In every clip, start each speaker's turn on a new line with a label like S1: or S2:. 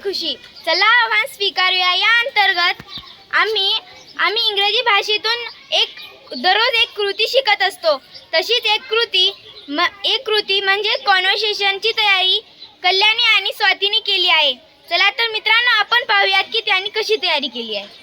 S1: खुशी. चला आव्हान स्वीकारूया. या अंतर्गत आम्ही इंग्रजी भाषेतून दररोज एक कृती शिकत असतो. तशीच एक कृती म्हणजे कॉन्व्हर्सेशनची तयारी कल्याणी आणि स्वातीने केली आहे. चला तर मित्रांनो, आपण पाहूयात की त्यांनी कशी तयारी केली आहे.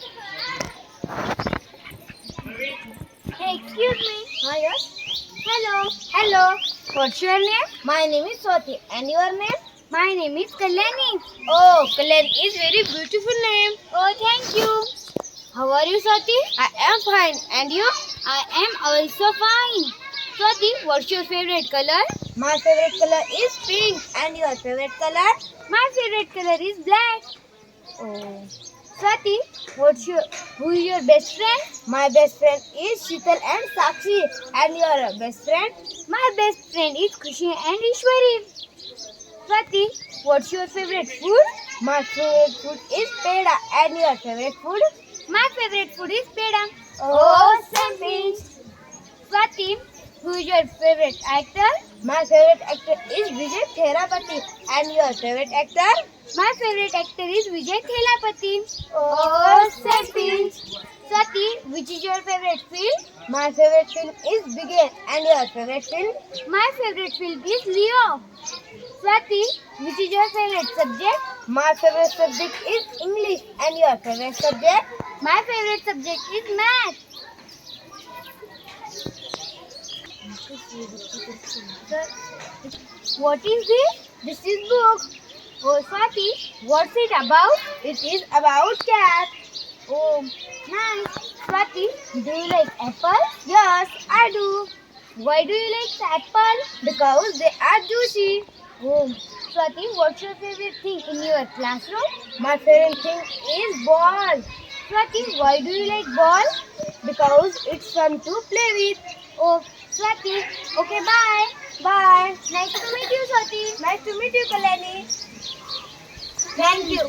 S2: Excuse me.
S1: Hi, yes.
S2: Hello.
S1: What's your name?
S2: My name is Swati. And your name?
S1: My name is Kalyani.
S2: Oh, Kalyani is very beautiful name.
S1: Oh, thank you.
S2: How are you, Swati?
S1: I am fine. And you?
S2: I am also fine.
S1: Swati, what's your favorite color?
S2: My favorite color is pink. And your favorite color?
S1: My favorite color is black.
S2: Oh.
S1: Swati, who is your best friend?
S2: My best friend is Sheetal and Sakshi. And your best friend?
S1: My best friend is Khushi and Ishwari. Swati, what's your favorite food?
S2: My favorite food is peda. And your favorite food?
S1: My favorite food is peda.
S2: Oh, same pinch.
S1: Swati, who is your favorite actor?
S2: My favorite actor is Vijay Therapati. And your favorite actor?
S1: My favorite actor is Vijay Thelapathy.
S2: Oh, same pinch.
S1: Swati, which is your favorite film?
S2: My favorite film is Begin. And your favorite film?
S1: My favorite film is Leo. Swati, which is your favorite subject?
S2: My favorite subject is English. And your favorite subject?
S1: My favorite subject is math. What is this?
S2: This is book.
S1: Oh, Swati, what's it about?
S2: It is about cat.
S1: Oh, nice. Swati, do you like apple?
S2: Yes, I do.
S1: Why do you like apple?
S2: Because they are juicy.
S1: Oh, Swati, what's your favorite thing in your classroom?
S2: My favorite thing is ball.
S1: Swati, why do you like ball?
S2: Because it's fun to play with.
S1: Oh, Swati, okay, bye.
S2: Bye.
S1: Nice to meet you, Swati.
S2: Nice to meet you, Kalyani.
S1: Thank you.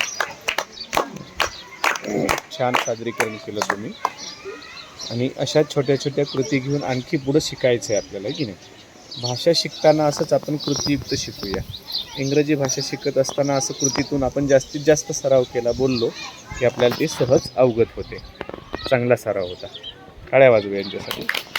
S3: छान सादरीकरण केलं तुम्ही. आणि अशा छोट्या छोट्या कृती घेऊन आणखी पुढं शिकायचं आहे आपल्याला, की नाही. भाषा शिकताना असंच आपण कृतीयुक्त शिकूया. इंग्रजी भाषा शिकत असताना असं कृतीतून आपण जास्तीत जास्त सराव केला, बोललो की आपल्याला ते सहज अवगत होते. चांगला सराव होता. टाळ्या वाजवूया यांच्यासाठी.